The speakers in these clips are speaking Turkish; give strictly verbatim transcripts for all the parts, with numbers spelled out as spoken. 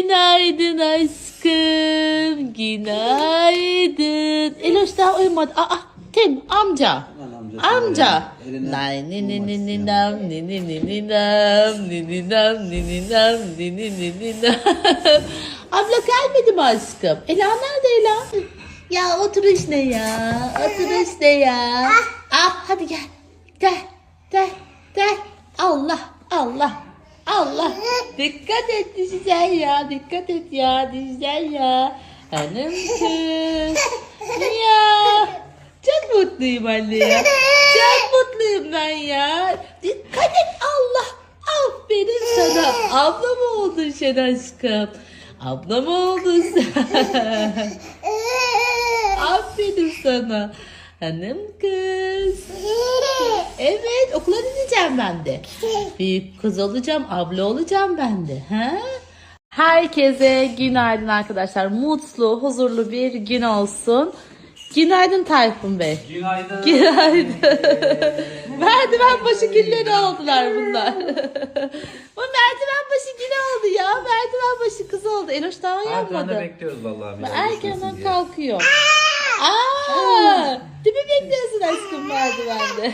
Günaydın aşkım. Günaydın. Eloş daha uyumadı. Aa, Tim amca. Amca. Nay ni ni ni ni nam ni ni ni ni nam ni ni nam ni ni nam ni ni ni ni nam. Abla gelmedi mi aşkım? Ela nerede Ela? Ya oturuş ne ya? Oturuş ne ya? Ah hadi gel. Gel. Gel. Gel. Allah. Allah. Allah. Dikkat et düşeceksin ya. Dikkat et ya. Düşeceksin ya. Hanım kız. Ya. Çok mutluyum anne ya. Çok mutluyum ben ya. Dikkat et Allah. Aferin sana. Abla mı oldun sen aşkım? Abla mı oldun sen? Aferin sana. Hanım kız. Evet, okula gideceğim ben de. Büyük kız olacağım, abla olacağım ben de. Ha? Herkese günaydın arkadaşlar. Mutlu, huzurlu bir gün olsun. Günaydın Tayfun Bey. Günaydın. Günaydın. Merdiven başı gülleri oldular bunlar. Bu merdiven başı gülü oldu ya. Merdiven başı kız oldu. Eloş daha uyanmadı. Erdem'de bekliyoruz vallahi. Erkenden kalkıyor. Aa, tipi bekliyorsun aşkım merdivende.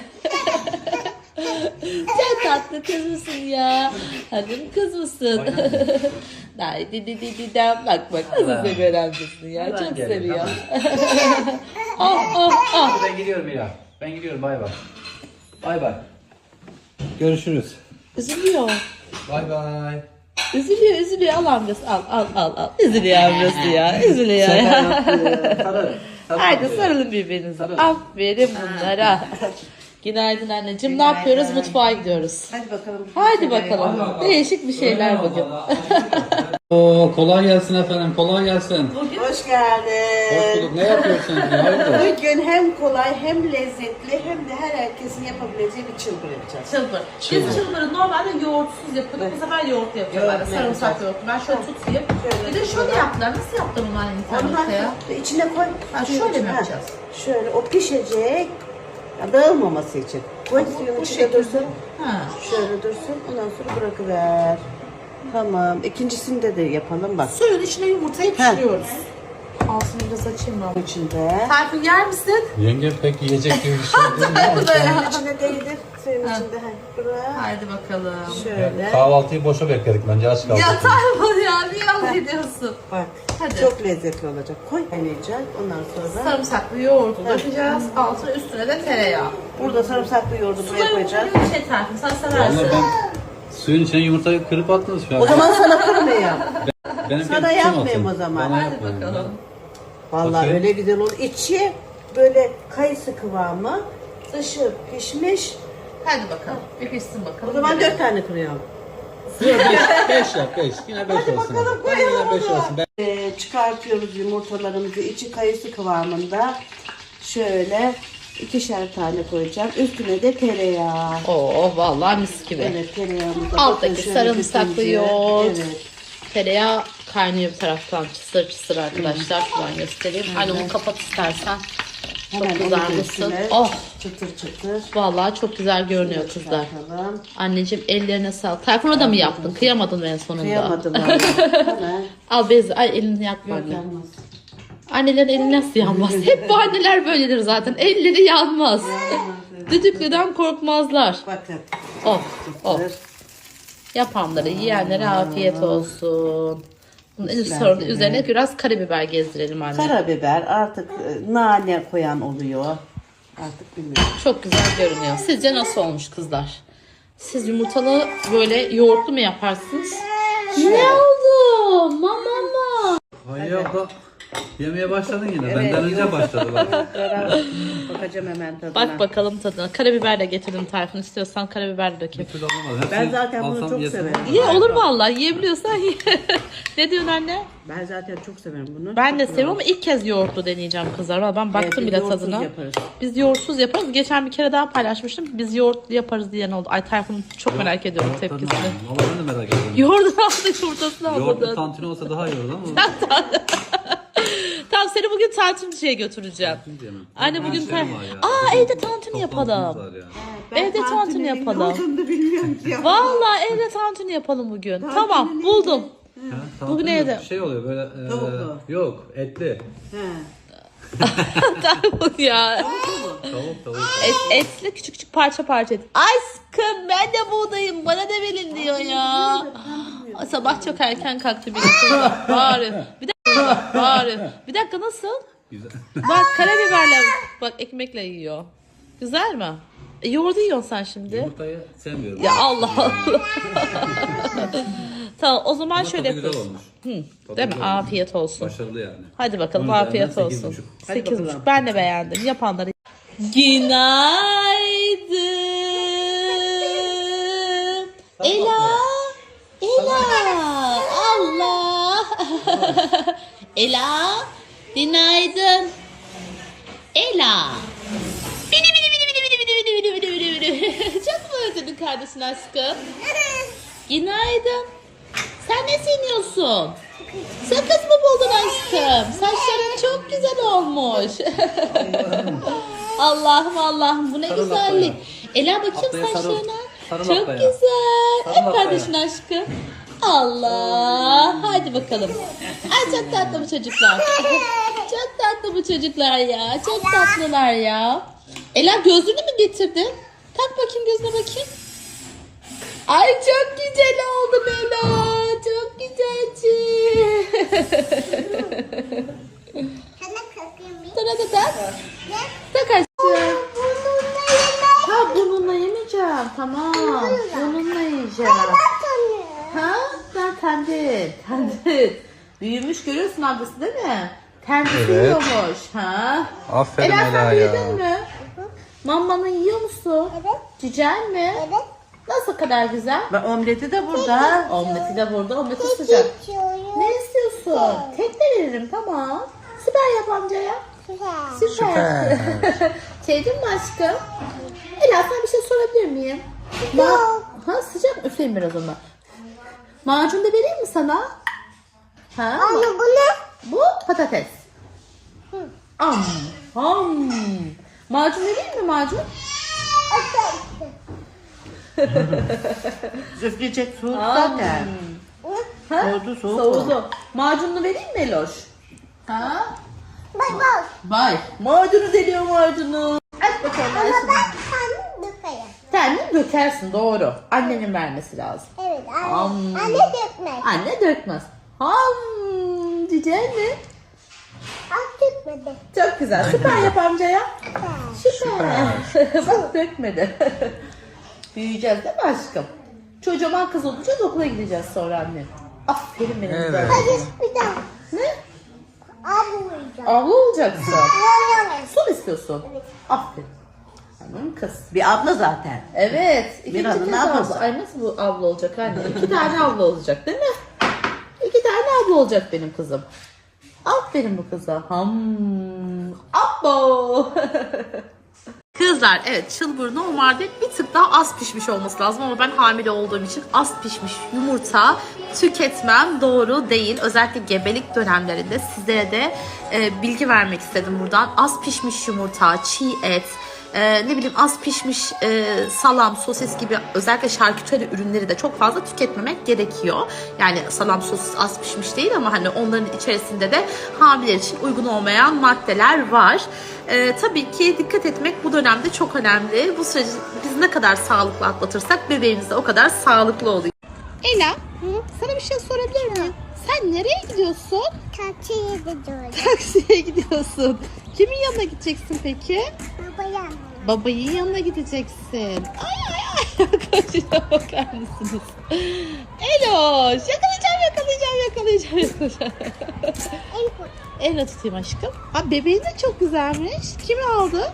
Sen tatlı kız mısın ya? Hanım kız mısın? Day di di di di dam. Bak bak nasıl seviyor amcasını ya. Hemen Çok gelin, seviyor. Oh oh oh. Ben gidiyorum Mira. Ben gidiyorum, bay bay. Bay bay. Görüşürüz. Üzülüyor. Bay bay. Üzülüyor üzülüyor. Al amcası al al al al. Üzülüyor amcası ya. Üzülüyor ya. Sarıl. Haydi sarılın birbirinize. Aferin bunlara. Günaydın anneciğim. Ne yapıyoruz? Mutfağa gidiyoruz. Hadi bakalım. Haydi bakalım. Değişik bir şeyler bugün. Oo, kolay gelsin efendim, kolay gelsin. Hoş geldin. Hoş bulduk. Ne yapıyorsun? Hayırdır? Bugün hem kolay hem lezzetli hem de her herkesin yapabileceği bir çılgır yapacağız. Çılbır. Çılbır. Biz çılbırı normalde yoğurtsuz yapıyorduk. Bu sefer yoğurt yapıyorlar. Yoğurt Sarımsak yapacağız. yoğurtu. Ben şöyle tutayım. Şöyle Bir de şöyle yaptılar. Nasıl yaptın onlar internette ya? Ondan içine koy. Ha, şöyle mi Ha, yapacağız? Şöyle o pişecek. Ya, dağılmaması için. Koy suyun bu içinde şekilde. dursun. Ha. Şöyle dursun. Ondan sonra bırakıver. Tamam. İkincisinde de yapalım bak. Suyun içine yumurtayı Ha. pişiriyoruz. Altını biraz açayım ben. İçinde. Tayfun yer misin? Yenge pek yiyecek gibi bir şey değil mi? Bu da ya. Suyun içine değdir. Suyun Ha. içinde. Ha, bırak. Haydi bakalım. Şöyle. Kahvaltıyı boşa bekledik bence, aç kaldık. Ya Tayfun ya niye yalan ediyorsun? Bak. Hadi. Çok lezzetli olacak. Koy kaynayacak. Ondan sonra. Sarımsaklı yoğurdu dökeceğiz. Altına üstüne de tereyağı. Burada sarımsaklı yoğurdu buraya koyacağız. Suları şey Tayfun sen seversin. Vallahi ben suyun içine yumurtayı kırıp attınız şu an. O zaman sana kırmayayım. Benimki sana kim yapmayayım olsun? o zaman. Bana Hadi yapmayın. bakalım. Vallahi Bakayım. öyle güzel olur. İçi böyle kayısı kıvamı, dışı pişmiş. Hadi bakalım. Bir pişsin bakalım. O zaman dört tane kırıyorum. Yok, beş, beş yap, beş. Yine beş olsun. bakalım, Ben koyalım yine beş onu. olsun. Ben... Ee, çıkartıyoruz yumurtalarımızı. İçi kayısı kıvamında. Şöyle ikişer tane koyacağım. Üstüne de tereyağı. Oo vallahi mis gibi. Evet, tereyağımızı. Alttaki bakın şöyle sarımsaklı bütüncül. yoğurt. Evet. Tereyağı kaynıyor bir taraftan çısır çısır arkadaşlar. Şuradan göstereyim. Anne onu kapat istersen. Çok Hemen onu kızarmışsın. üstüne Oh Çıtır çıtır. vallahi çok güzel görünüyor kızlar. Çıkartalım. Anneciğim ellerine sağlık. Tayfun'a da mı yaptın? Kıyamadın en sonunda. Kıyamadım vallahi. Hemen. Al bezi. Ay elini yakma Yok anne. yanmaz. Annelerin eli nasıl yanmaz? Hep bu anneler böyledir zaten. Elleri yanmaz. Düdüklüden korkmazlar. Bakın. Oh, oh. Çıtır. Yapanlara, yiyenlere afiyet olsun. Bunun en Güzel, sonra da güzel. üzerine biraz karabiber gezdirelim anne. Karabiber artık e, nane koyan oluyor. Artık bilmiyorum. Çok güzel görünüyor. Sizce nasıl olmuş kızlar? Siz yumurtalı böyle yoğurtlu mu yaparsınız? Ne oldu? Mama mı? Hayır abla. Yemeye başladın yine. Evet, Benden önce yok. başladı bak. Bakacağım hemen tadına. Bak bakalım tadına. Karabiber de getirdim Tayfun. İstiyorsan karabiber de dökeyim. Bir türlü olmaz. Hepsini Ben zaten bunu alsam çok yesem severim. olur. Ye olur vallahi. Yiyebiliyorsan ye. Ne diyorsun anne? Ben zaten çok severim bunu. Ben de Çok seviyorum ama ilk kez yoğurtlu deneyeceğim kızlar. Valla ben baktım biz bile yoğurtsuz tadına. yaparız. Biz yoğurtsuz yaparız. Geçen bir kere daha paylaşmıştım. Biz yoğurtlu yaparız diyen oldu. Ay Tayfun çok merak ediyorum Yoğurt tadını tepkisini. aldım. Vallahi ben de merak ediyorum. Yoğurdunu aldık, yumurtasını Yoğurtlu aldık. tantuni olsa daha iyi olur ama. Tamam seni bugün tantuniciye götüreceğim. diyemem. Anne Ben bugün şeyim tan... var ya. Aa evde tantuni Çok yapalım. tantunimiz var ya. Ben Evde tantuni tantuninin yapalım. ne olduğunu da bilmiyorum ki. Vallahi evde tantuni yapalım bugün. Tamam buldum. Ha, tantuni Bugün yok. evde. Şey oluyor böyle. E, Tavuklu. Yok, etli. He. Tamam ya. Tavuk tavuk. Et, etli küçük küçük parça parça et. Aşkım ben de buğdayım bana da verin diyor ya. Sabah çok erken kalktı bir dakika. Bağırıyor. Bir dakika bağırıyor. Bir dakika nasıl? Güzel. Bak karabiberle bak ekmekle yiyor. Güzel mi? E, yoğurdu yiyorsun sen şimdi. Yumurtayı sevmiyorum. Ya Allah Allah. Tamam o zaman Ama şöyle tadı güzel yapıyoruz. olmuş. Hı, Tadı değil mi? güzel olmuş. Afiyet olsun. Başarılı yani. Hadi bakalım Onun afiyet üzerinden olsun. sekiz buçuk. Hadi Sekiz bakalım. buçuk. Ben de beğendim. Yapanları. Günaydın. Ela. Ela. Allah. Ela. Günaydın. Ela. Bini bini bini bini bini bini bini bini bini bini. Çok mu özledin kardeşin aşkım? Günaydın. Sen ne siniyorsun? Sakız mı buldun aşkım? Saçların çok güzel olmuş. Allah'ım Allah'ım bu ne Sarıl güzellik. ablaya. Ela bakayım Ablaya sarıl. saçlarına. Sarıl Çok ablaya. güzel. Sarıl Hep ablaya. kardeşin aşkım. Allah. Hadi bakalım. Ay çok tatlı bu çocuklar. Çok tatlı bu çocuklar ya. Çok tatlılar ya. Ela gözlüğünü mü getirdin? Tak bakayım gözüne bakayım. Ay çok güzel oldun Ela. Çok güzelsin. Sana da tak. Tak aşkım. Ha bununla yemeyeceğim. Tamam. Bununla yiyeceğim. Ha? Ben tendit. Tendit. Büyümüş görüyorsun ablası değil mi? Tendit Evet. yiyormuş. Ha? Aferin Ela sen Ela büyüdün ya. mü? Mamanı yiyor musun? Evet. Cicel mi? Evet. Nasıl kadar güzel? Ve omleti de burada. Omleti de burada. Omleti sıcak. Ne istiyorsun? Tek de veririm tamam. Süper yap amcaya. Süper. Sevdin mi aşkım? Ela sana bir şey sorabilir miyim? Ma ha sıcak mı? Üfleyeyim biraz ona. Macun da vereyim mi sana? Ha? Anne bu ne? Bu patates. Am. Ham. Macun vereyim mi macun? Üfleyecek soğuk Am. zaten. Ha? Soğudu, soğuk Soğudu. Macununu vereyim mi Eloş? Ha? Bak bak. Vay. Macunu deliyor macunu. Aç bakalım Ama Ayşe. ben kendim dökerim. Kendin dökersin doğru. Annenin vermesi lazım. Evet anne. Am. Anne dökmek. Anne dökmez. Ham. Cicel mi? Az dökmedi. Çok güzel. Süper yap amcaya. Süper. Süper. Bak dökmedi. Büyüyeceğiz değil mi aşkım? Çocuğuma kız olacağız okula gideceğiz sonra anne. Aferin benim Evet. güzel. Hadi bir daha. Ne? Abi uyuyacağım. Abla olacaksın. Yan yana. Su mu istiyorsun? Evet. Aferin. Hanım kız. Bir abla zaten. Evet. İkinci Bir adın kez ablası. abla. Ay nasıl bu abla olacak anne? İki tane abla olacak değil mi? İki tane abla olacak benim kızım. Aferin bu kıza. Ham. Abo. Kızlar evet çılbır normalde bir tık daha az pişmiş olması lazım ama ben hamile olduğum için az pişmiş yumurta tüketmem doğru değil. Özellikle gebelik dönemlerinde sizlere de e, bilgi vermek istedim buradan. Az pişmiş yumurta, çiğ et, e, ne bileyim az pişmiş e, salam, sosis gibi özellikle şarküteri ürünleri de çok fazla tüketmemek gerekiyor. Yani salam, sosis az pişmiş değil ama hani onların içerisinde de hamileler için uygun olmayan maddeler var. Ee, tabii ki dikkat etmek bu dönemde çok önemli. Bu süreci biz ne kadar sağlıklı atlatırsak bebeğimiz de o kadar sağlıklı oluyor. Ela, sana bir şey sorabilir miyim? Sen nereye gidiyorsun? Taksiye gidiyorum. Taksiye gidiyorsun. Kimin yanına gideceksin peki? Babaya. Babayın yanına gideceksin. Ay ay ay. Arkadaşlar bakar mısınız? Eloş, yakalayacağım yakalayacağım yakalayacağım yakalayacağım. En kötü. Elle tutayım aşkım. Ha bebeğin de çok güzelmiş. Kim aldı?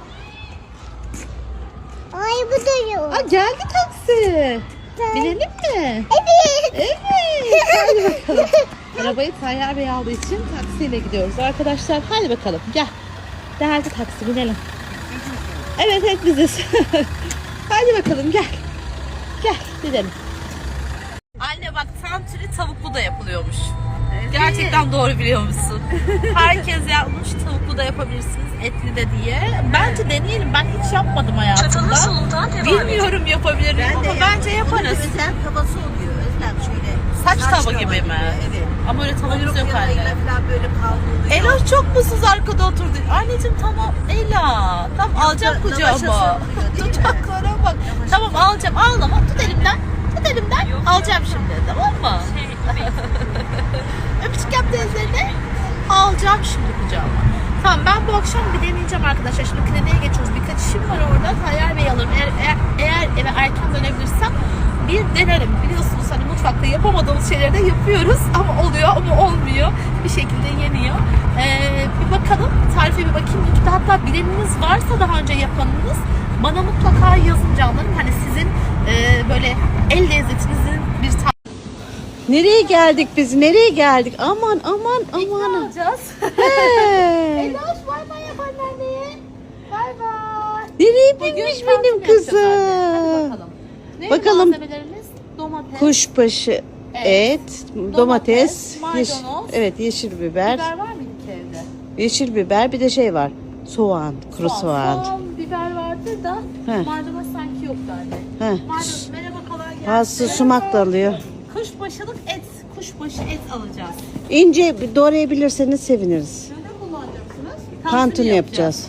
Ay bu duruyor. Aa geldi taksi. Binelim mi? Evet. Evet. Hadi bakalım. Arabayı Tayyar Bey aldığı için taksiyle gidiyoruz arkadaşlar. Hadi bakalım gel. Geldi taksi binelim. Evet evet biziz. Hadi bakalım gel. Gel gidelim. Anne bak tantuni tavuklu da yapılıyormuş. Gerçekten doğru biliyor musun? Herkes yapmış tavuklu da yapabilirsiniz etli de diye. Bence deneyelim. Ben hiç yapmadım hayatımda. Bilmiyorum yapabilir miyim ama bence yaparız. Özel kafası oluyor. Özlem şöyle. Taç tava gibi mi? Evet. Ama öyle tavamız yok anne. Falan böyle kavruluyor. Eloş çok mutsuz arkada oturdu. Anneciğim tamam Ela. Tamam alacağım Lavaşa kucağıma. sarılıyor, değil mi? Tutaklara bak. Tamam alacağım ağlama. Tut elimden. Tut elimden. Alacağım şimdi tamam mı? Öpücük yap teyzene. Alacağım şimdi kucağıma. Tamam ben bu akşam bir deneyeceğim arkadaşlar. Şimdi kliniğe geçiyoruz. Birkaç işim var orada. Tayyar Bey alırım. Eğer, eğer, eğer eve erken dönebilirsem bir denerim. Biliyorsunuz hani mutfakta yapamadığımız şeyleri de yapıyoruz. Ama oluyor ama olmuyor. Bir şekilde yeniyor. Ee, bir bakalım. Tarife bir bakayım. YouTube'da hatta bileniniz varsa daha önce yapanınız bana mutlaka yazın canlarım. Hani sizin e, böyle el lezzetinizin bir tarifi. Nereye geldik biz? Nereye geldik? Aman aman aman. alacağız. He. Eloş bay bay yap anneanneye. Bay bay. Nereye binmiş benim kızım? Hadi bakalım. Ne Bakalım. malzemelerimiz? Domates, Kuşbaşı, et, domates, domates, yeş- maydanoz. evet yeşil biber, biber var mıydı ki evde? yeşil biber bir de şey var. Soğan, kuru soğan. Soğan, biber vardı da He. maydanoz sanki yoktu anne. He. Maydanoz merhaba kolay gelsin. Bazısı sumak da alıyor. Kuşbaşılık et, kuşbaşı et alacağız. İnce doğrayabilirseniz seviniriz. Ne kullanacaksınız? Tantuni yapacağız.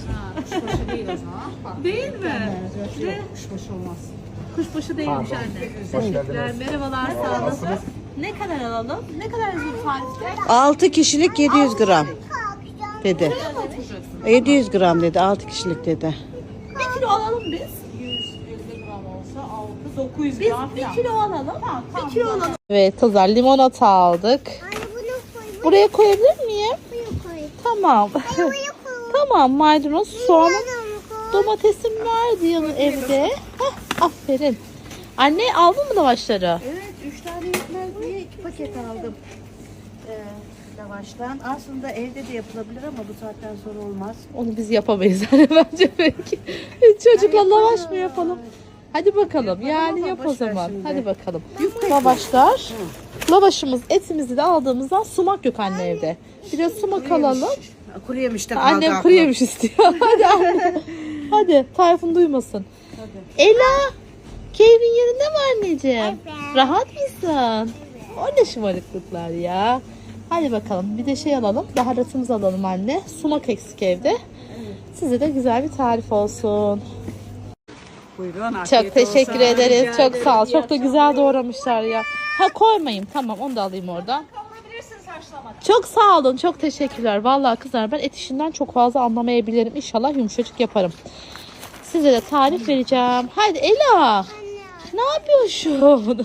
Değil mi? Ne? Kuşbaşı olmaz. Kuşbaşı değilmiş anne. Teşekkürler. Merhabalar, sağ olasın. Ne kadar alalım? Ne kadar yazıyor tarifte? altı kişilik yedi yüz gram dedi. Ne oturacaksın? yedi yüz gram dedi, altı kişilik dedi. Bir kilo alalım biz. yüz elli gram olsa altı dokuz yüz Biz gram bir falan. kilo alalım. Bir kilo alalım. Evet kızlar limonata aldık. Anne bunu koy. Buraya koyabilir miyim? Bunu koy. Tamam. Bunu koy. Tamam maydanoz, soğanım, Bunu koy. domatesim vardı yanı evde. Hah, aferin. Anne aldın mı lavaşları? Evet, üç tane yetmez diye iki paket aldım. Ee, lavaştan. Aslında evde de yapılabilir ama bu saatten sonra olmaz. Onu biz yapamayız hani bence belki. Çocukla lavaş mı yapalım? Hadi bakalım. Yani ama yap o boş ver zaman. şimdi. Hadi bakalım. Lavaşlar. Lavaşımız, etimizi de aldığımızdan sumak yok anne evde. Biraz sumak alalım. Kuru yemiş de kaldı Annem aklım. kuru yemiş istiyor. Hadi anne. Hadi Tayfun duymasın. Ela. Keyfin yerinde mi anneciğim? Evet. Rahat mısın? O ne şımarıklıklar ya. Hadi bakalım bir de şey alalım. Baharatımızı alalım anne. Sumak eksik evde. Size de güzel bir tarif olsun. Buyurun, Çok afiyet teşekkür olsun. ederiz. Rica Çok ederim. sağ ol. Çok da güzel doğramışlar ya. Ha koymayayım. Tamam onu da alayım oradan. Çok sağ olun. Çok teşekkürler. Vallahi kızlar ben et işinden çok fazla anlamayabilirim. İnşallah yumuşacık yaparım. Size de tarif vereceğim. Hadi Ela. Ne yapıyorsun?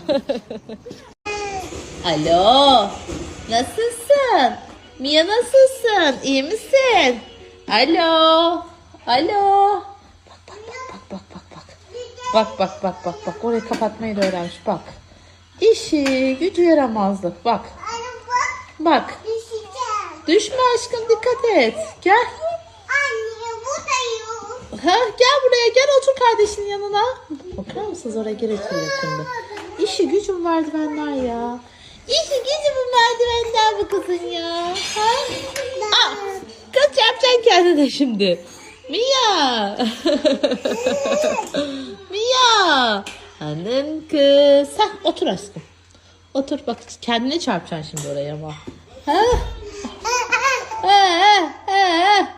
Alo. Nasılsın? Mia nasılsın? İyi misin? Alo. Alo. Bak bak bak bak bak bak bak. Bak bak bak bak bak. Orayı kapatmayı da öğrenmiş bak. İşi gücü yaramazlık bak. Anne bak. Bak. Düşeceğim. Düşme aşkım dikkat et. Gel. Anne bu da yok. Ha, gel buraya gel otur kardeşinin yanına. Bakar mısınız oraya gerekiyor şimdi. İşi gücüm merdivenler ya. İşi gücüm merdivenler bu kızın ya. Ha? Aa, kız yapacaksın kendine şimdi. Mia. Mia. Hanım kız. Hah, otur aşkım. Otur bak kendine çarpacaksın şimdi oraya ama. Ha? Ha, ha, ha.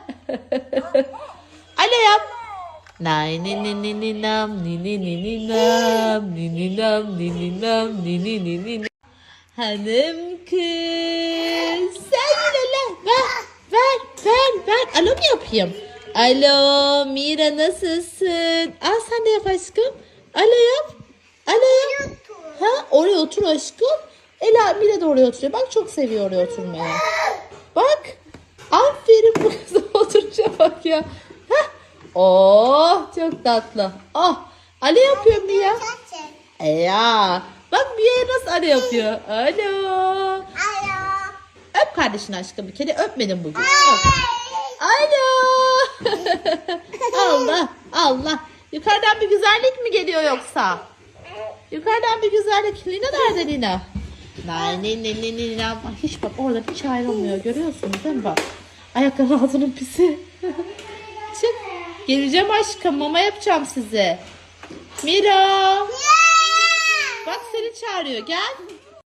Alo yap. Nay ni ni ni ni nam ni ni ni ni nam ni ni nam ni ni nam ni ni ni ni. Hanım kız. Sen yine lan. Ver ver ver ver. Alo mu yapayım? Alo Mira nasılsın? Al sen de yap aşkım. Alo yap. Alo yap. Ha oraya otur aşkım. Ela Mira da oraya oturuyor. Bak çok seviyor oraya oturmayı. Bak. Aferin bu kıza oturuşa bak ya. Heh. Oh çok tatlı. Oh. Ali yapıyor Mia. E ya. Bak Mia nasıl Ali yapıyor. Alo. Alo. Öp kardeşini aşkım bir kere. Öpmedim bugün. Öp. Alo. Allah. Allah. Yukarıdan bir güzellik mi geliyor yoksa? Yukarıdan bir güzellik. Lina nerede Lina? Nay ne ne ne ne ne. Hiç bak orada hiç ayrılmıyor. Görüyorsunuz değil mi bak? Ayakların altının pisi. Çık. Geleceğim aşkım. Mama yapacağım size. Mira. Bak seni çağırıyor. Gel.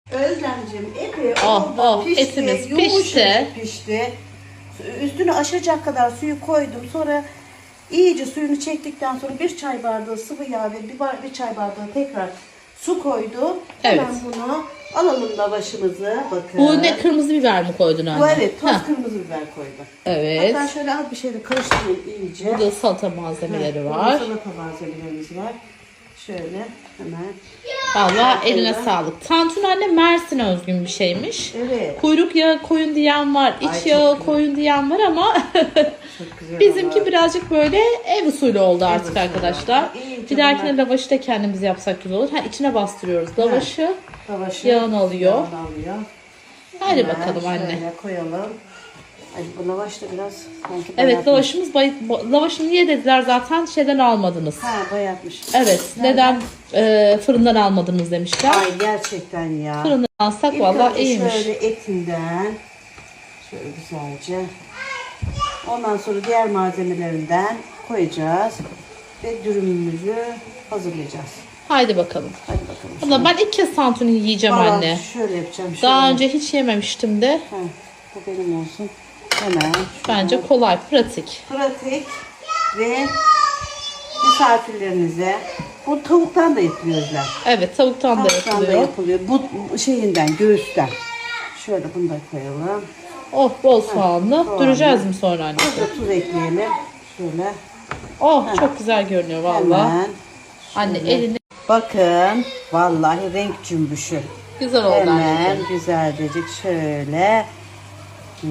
Özlemciğim epey Oh, oldu, oh, pişti, etimiz yumuşacık pişti. pişti. Üstünü aşacak kadar suyu koydum. Sonra iyice suyunu çektikten sonra bir çay bardağı sıvı yağ ve bir, bar- bir çay bardağı tekrar su koydum. Hemen Evet. bunu alalım lavaşımızı. Bakın. Bu ne, kırmızı biber mi koydun anne? Bu evet, toz Heh, kırmızı biber koydum. evet. Hatta şöyle az bir şeyle karıştırayım iyice. Burada salata malzemeleri Burada var. salata malzemelerimiz var. Şöyle hemen. Vallahi eline sağlık. Tantuni anne Mersin'e özgün bir şeymiş. Evet. Kuyruk yağı koyun diyen var, iç Ay, çok yağı güzel. koyun diyen var ama Çok güzel bizimki ama. birazcık böyle ev usulü oldu artık usulü. arkadaşlar. İyice Bir dahakine bunlar- lavaşı da kendimiz yapsak güzel olur. Ha, içine bastırıyoruz lavaşı. Lavaşı Yağını alıyor. yağını alıyor. Hadi Hemen bakalım anne. Şöyle koyalım. Ay, bu lavaş da biraz sanki Evet, bayatmış. lavaşımız bay... ba- lavaşı niye dediler zaten şeyden almadınız. Ha, bayatmış. Evet, neden e, fırından almadınız demişler. Ay gerçekten ya. Fırından alsak İlk vallahi önce iyiymiş. şöyle etinden şöyle güzelce. Ondan sonra diğer malzemelerinden koyacağız ve dürümümüzü hazırlayacağız. Haydi bakalım. Hadi bakalım. Abla ben ilk kez tantuni yiyeceğim Vallahi anne. Şöyle yapacağım. Şöyle. Daha önce hiç yememiştim de. Ha, bu benim olsun. Hemen. Bence şöyle. kolay, pratik. Pratik ve misafirlerinize. Bu tavuktan da yapılıyorlar. Evet, tavuktan da Tavuktan da yapılıyor. yapılıyor. Bu şeyinden, göğüsten. Şöyle bunu da koyalım. Oh, bol soğanlı. soğanlı. Duracağız mı sonra anne? Az da tuz ekleyelim. Şöyle. Oh, çok güzel görünüyor vallahi. Hemen. Anne elini Bakın. Vallahi renk cümbüşü. güzel oldu Hemen anneciğim. güzelcecik şöyle. Hı.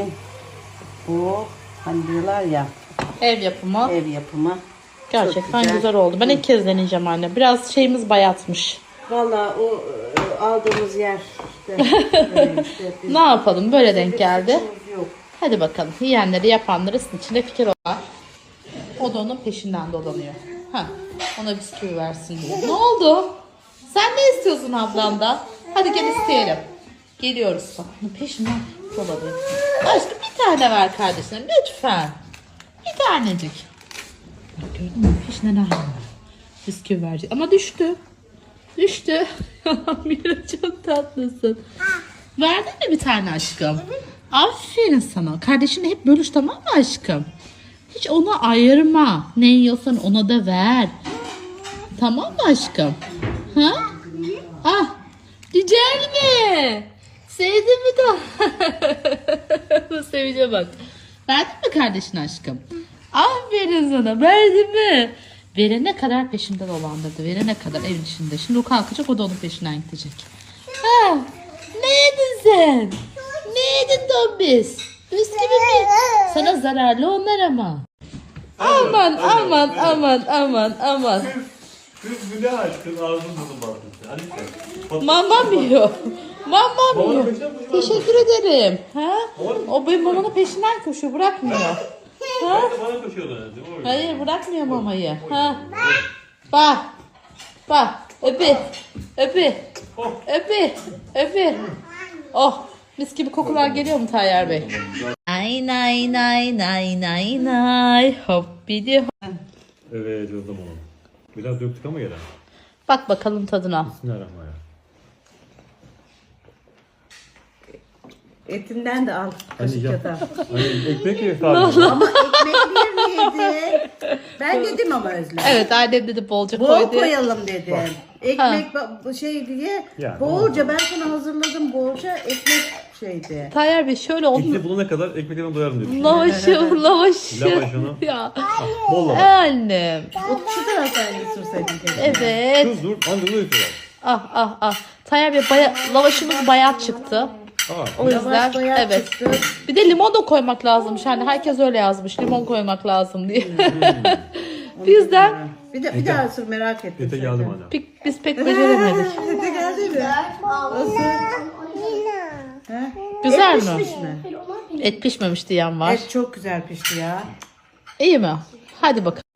Bu hani diyorlar ya Ev yapımı. ev yapımı. Gerçekten çok güzel. güzel. oldu. Ben ilk kez deneyeceğim anne. Biraz şeyimiz bayatmış. Vallahi o e, aldığımız yer işte. öyle işte. Biz- Ne yapalım? Böyle denk bir geldi. suçumuz yok. Hadi bakalım. Yiyenleri yapanları sizin içinde fikir var. O da onun peşinden dolanıyor. Ha, ona bisküvi versin diye. Ne oldu? Sen ne istiyorsun ablamdan? Hadi gel isteyelim. Geliyoruz. Bak onun peşinden dolanıyor. Aşkım bir tane ver kardeşine lütfen. Bir tanecik. Bak gördün mü? Peşinden ayrılıyor. Bisküvi verecek. Ama düştü. Düştü. Mira çok tatlısın. Verdin mi bir tane aşkım? Aferin sana. Kardeşini hep bölüş, tamam mı aşkım? Hiç ona ayırma. Ne yiyorsan ona da ver. Tamam mı aşkım? Ha? Ah, güzel mi? Sevdin mi de? Bu sevince bak. Verdin mi kardeşine aşkım? Aferin sana. Verdin mi? Verene kadar peşinden dolandırdı. Verene kadar evin içinde. Şimdi o kalkacak, o da onun peşinden gidecek. Ha, ne yedin sen? Ne yedin Dombis? Bisküvi mi? Sana zararlı onlar ama. Aman aman aman aman aman. Kız bu ne aşkın ağzını bunu baktı. Hadi sen. Mamam yiyor. Mamam Babanın yiyor. peşinden koşuyor. Teşekkür ederim. Ha? O benim mamanın peşinden koşuyor, bırakmıyor. Ha? Bana koşuyorlar. değil mi? O Hayır, bırakmıyor mamayı. Ha? Bak. Bak. Öpü. Öpü. Öpü. Öpü. Oh. Mis gibi kokular geliyor mu Tayyar Bey? Ay nay nay nay nay nay. Hop bidi hop. Evet yazdım onu. Biraz döktük ama gelen. Bak bakalım tadına. Bismillahirrahmanirrahim. Etinden de al Hani kaşık ya. kadar. Hani ekmek ye sadece. Ama ekmekli yedi. Ben yedim ama Özlem. Evet, annem dedi bolca Bol koydu. koyalım dedi. Ekmek ba- şey diye Yani, bolca ben sana hazırladım bolca ekmek şeydi. Tayyar Bey şöyle oldu. İçine bulana kadar ekmeklerimi doyarım diyor. Lavaşı, lavaşı. Lavaşını. Ya. Bol lavaş. Annem. Şu taraftan götürseydin keşke. Evet. Kız dur. Anca bunu yapıyorlar. Ah ah ah. Tayyar Bey baya, lavaşımız bayat çıktı. Aa. O yüzden Lavaş bayağı evet. çıktı. Bir de limon da koymak lazımmış. Hani herkes öyle yazmış. Limon koymak lazım diye. Bizden Bir de bir daha sor merak ettim. Ete geldim anne. pek, biz pek beceremedik. Ete geldi mi? Nasıl? He? Güzel mi? Pişmiş mi? Et pişmemiş diyen var. Et çok güzel pişti ya. İyi mi? Hadi bakalım.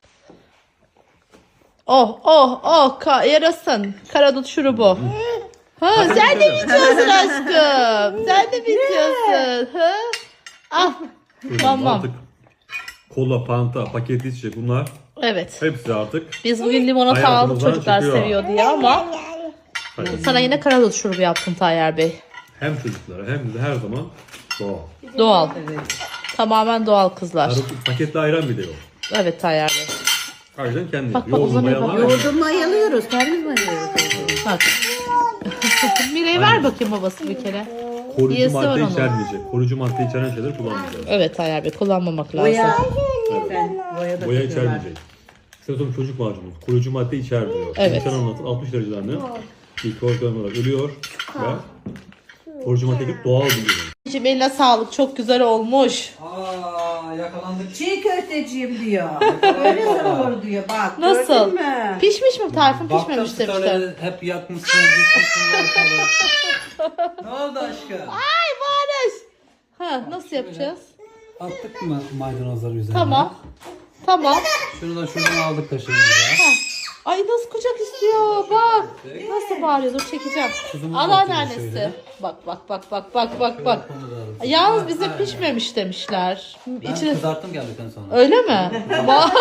Oh oh oh ka yarasın. Karadut şurubu. Ha, sen de mi içiyorsun aşkım? Sen de mi içiyorsun? Ha? Ah. Tamam. Artık kola, panta, paketli içecek bunlar. Evet. Hepsi artık. Biz bugün limonata aldık, Hayatımızdan çocuklar çıkıyor. seviyor diye ama Hayır. Sana yine karadut şurubu yaptım Tayyar Bey. Hem çocuklara hem de her zaman doğal. Doğal. Tamamen doğal kızlar. Karadut paketli ayran bile yok. Evet Tayyar Bey. Ayran kendi. Bak, bak, Yoğurdu uzanıyor, bak. mayalar. Yoğurdu mayalıyoruz. Kendimiz mayalıyoruz. Bak. Mire'ye ver bakayım babası bir kere. Koruyucu Yiyesi var madde onun. içermeyecek. Koruyucu madde içeren şeyler kullanmayacağız. Evet Tayyar Bey, kullanmamak lazım. Boya. Evet. Ben boya da Boya tutuyorlar. içermeyecek. Sonra çocuk macunu. Koruyucu madde içermiyor. Evet. İnsan anlatın altmış dereceden mikroorganizmalar olarak ölüyor ve koruyucu madde gibi doğal bir ürün. Anneciğim eline sağlık, çok güzel olmuş. Aa yakalandık. Çiğ köfteciyim diyor. Öyle olur diyor. Bak Nasıl? gördün mü? Pişmiş mi Tayfun, Baktım pişmemiş demişler. storyleri hep yakmışsın, gitmişsin ortalığı. Ne oldu aşkım? Ay Barış. Ha, nasıl yapacağız? Attık mı maydanozları üzerine? Tamam. Tamam. Şunu da şuradan aldık kaşığımıza. Ay nasıl kucak istiyor, bak. Nasıl bağırıyor, dur çekeceğim. Tuzumuzu Anneannesi. atıyoruz şöyle. Bak bak bak bak bak bak bak. Onu da alırız. Yalnız bize pişmemiş demişler. Ben İçine... kızarttım geldikten sonra. Öyle mi? Va-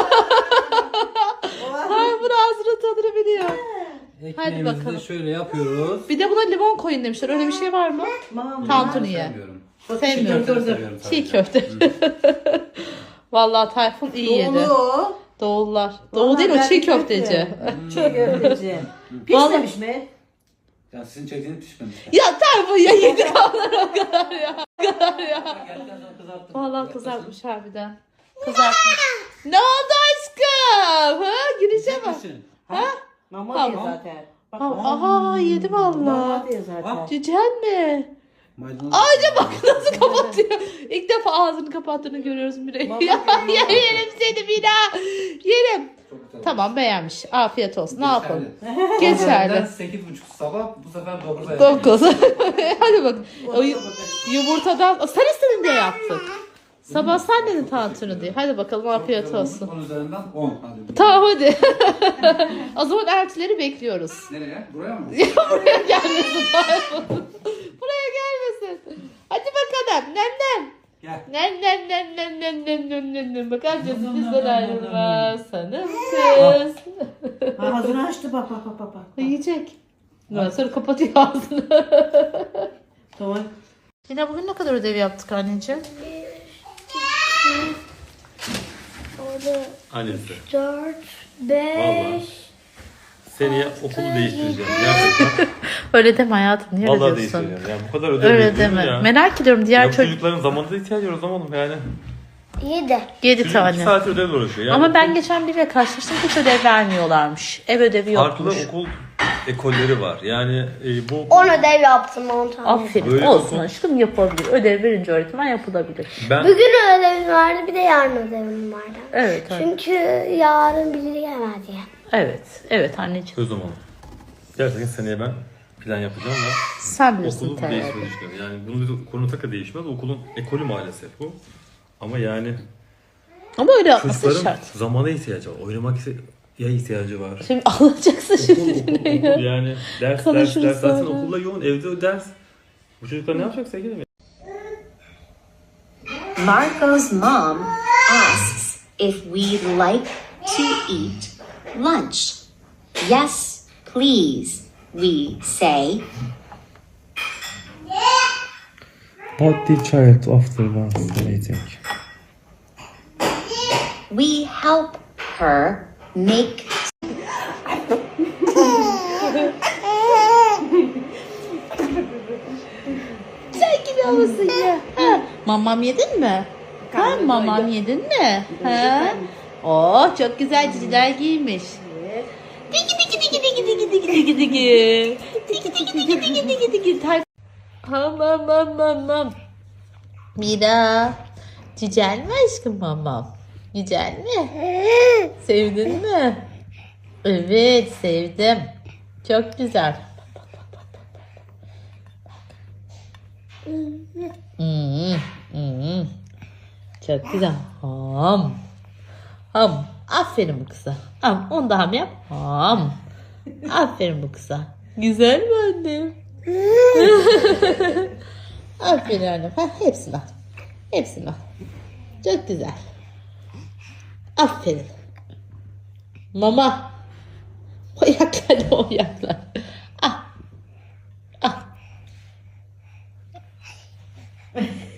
Ay bu ağzının tadını biliyor. Ekmeğimizi de bakalım. şöyle yapıyoruz. Bir de buna limon koyun demişler. Öyle bir şey var mı? Mamam. Tantuniye. Sevmiyorum. Sevmiyorum. Çiğ köfte seviyorum Çiğ sadece. köfte. Vallahi Tayfun iyi yedi. Doğulu. Doğullar. Doğu Vallahi değil o, ben çiğ de köfte. köfteci. Çiğ köfteci. Pişmemiş mi? Ya sizin çektiğiniz pişmemiş. Ya Tayfun ya yedi onlar o kadar ya. O kadar ya. Geldikten sonra kızarttım. Vallahi kızartmış harbiden. Kızartmış. Ne oldu aşkım? Ha? Gireceğim mi? Misin? Ha? Mama Tamam. diyor zaten. Bak, Ha, aha yedi mama vallahi. diyor zaten. Cicen mi? Maydanoz. Ağaca bak nasıl kapatıyor. İlk defa ağzını kapattığını görüyoruz Mire'yi. Baba Ya, görüyor. ya yerim seni bir daha. Yerim. Çok güzel. Tamam beğenmiş. Afiyet olsun. Ne yapalım? Geçerli. Geçerli. sekiz buçuk sabah bu sefer dokuza Dokuz. Hadi bak. O yu- yumurtadan. O, sen istedin diye yaptık. Sabah sen dedin tantuni diye. Hadi bakalım afiyet olsun. on üzerinden on. Hadi. Tamam hadi. O zaman eltileri bekliyoruz. Nereye? Buraya mı? Buraya gelmesin Tayfun. Buraya gelmesin. Hadi bakalım. Nem nem. Gel. Nem nem nem nem nem nem nem nem nem. Bak amcası bizden ayrılmaz. Sanım kız. Ha, ağzını açtı bak bak bak bak. bak. Yiyecek. Ondan sonra kapatıyor ağzını. Tamam. Yine bugün ne kadar ödev yaptık anneciğim? Annesi. Dört, Vallahi. beş. Seneye okulu değiştireceğim. Gerçekten. Öyle deme hayatım. Niye öyle Vallahi diyorsun? değiştireceğim. Yani bu kadar ödev Öyle veriyorum deme. ya. Merak ediyorum diğer Ya bu çocuk. çocukların zamanında ihtiyaç var o zaman yani. Yedi. Yedi Çocuk tane. iki saat ödevle uğraşıyor. Yani Ama ben okul- geçen biriyle karşılaştım, hiç ödev vermiyorlarmış. Ev ödevi farklı yokmuş. okul ekolleri var. Yani e, bu On ödev yaptım on tane. Aferin Böyle olsun okul- aşkım, yapabilir. Ödev verince öğretmen yapılabilir. ben Bugün ödevim vardı bir de yarın ödevim vardı. Evet, evet. Çünkü yarın biri gelmez ya. Evet, evet anneciğim. söz zamanı. Gerçekten seneye ben plan yapacağım ve Sen bilirsin okulu tabii. değiştirmeyi düşünüyorum. Yani bunun konu taka değişmez. Okulun ekolü maalesef bu. Ama yani Ama öyle yapması çocukların şart. zamana ihtiyacı var. Oynamak ya ihtiyacı var. Şimdi alacaksın Okul, şimdi okul, ne okul ya? yani ders ders Konuşuruz ders zaten sonra. okulla yoğun evde o ders. Bu çocuklar ne yapacak sevgilim? Marco's mom asks if we'd like to eat lunch. Yes, please, we say. What the child after was eating? We help her make Sen gibi mısın ya? Ha? Mamam yedin mi? Ha, mamam yedin mi? Ha? Oh çok güzel ciciler giymiş. Digi digi digi digi digi digi digi digi. Digi digi digi digi digi digi. Tay- Hamam mamam mam. Mira. Güzel mi aşkım mamam? Güzel mi? Sevdin mi? Evet sevdim. Çok güzel. Hmm, hmm. Çok güzel. Ham. Ham. Aferin bu kıza. Ham. Onu da ham yap. Ham. Aferin bu kıza. Güzel mi annem? Aferin annem. Ha, hepsini al. Hepsini al. Çok güzel. Aferin. Mama. Oyaklar da oyaklar. Ah.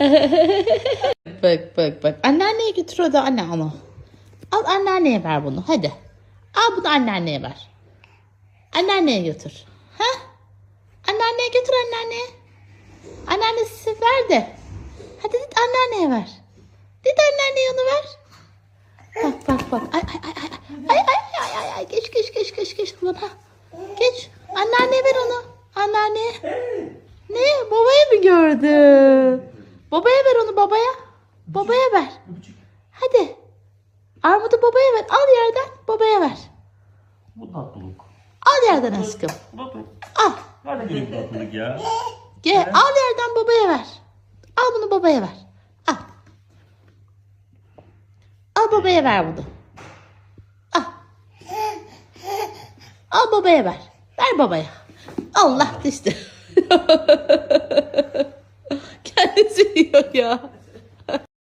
Bak bak bak. Anneanneye götür o da anne onu. Al anneanneye ver bunu hadi. Al bunu anneanneye ver. Anneanneye götür. Ha? Anneanneye götür anneanneye. Anneannesi ver de. Hadi git anneanneye ver. Git anneanneye onu ver. Bak bak bak. Ay ay ay ay. Ay ay ay ay ay. Geç geç geç geç geç buna. Geç. Anneanneye ver onu. Anneanneye. Ne? Babaya mı gördü? Babaya ver onu babaya. Babaya ver. Hadi. Armudu babaya ver. Al yerden babaya ver. Bu tatlılık. Al yerden aşkım. Al. Nerede geliyor bu tatlılık ya? Gel al yerden babaya ver. Al bunu babaya ver. Al. Al babaya ver bunu. Al. Al babaya ver. Ver babaya. Allah düştü. Kendisi yiyor ya.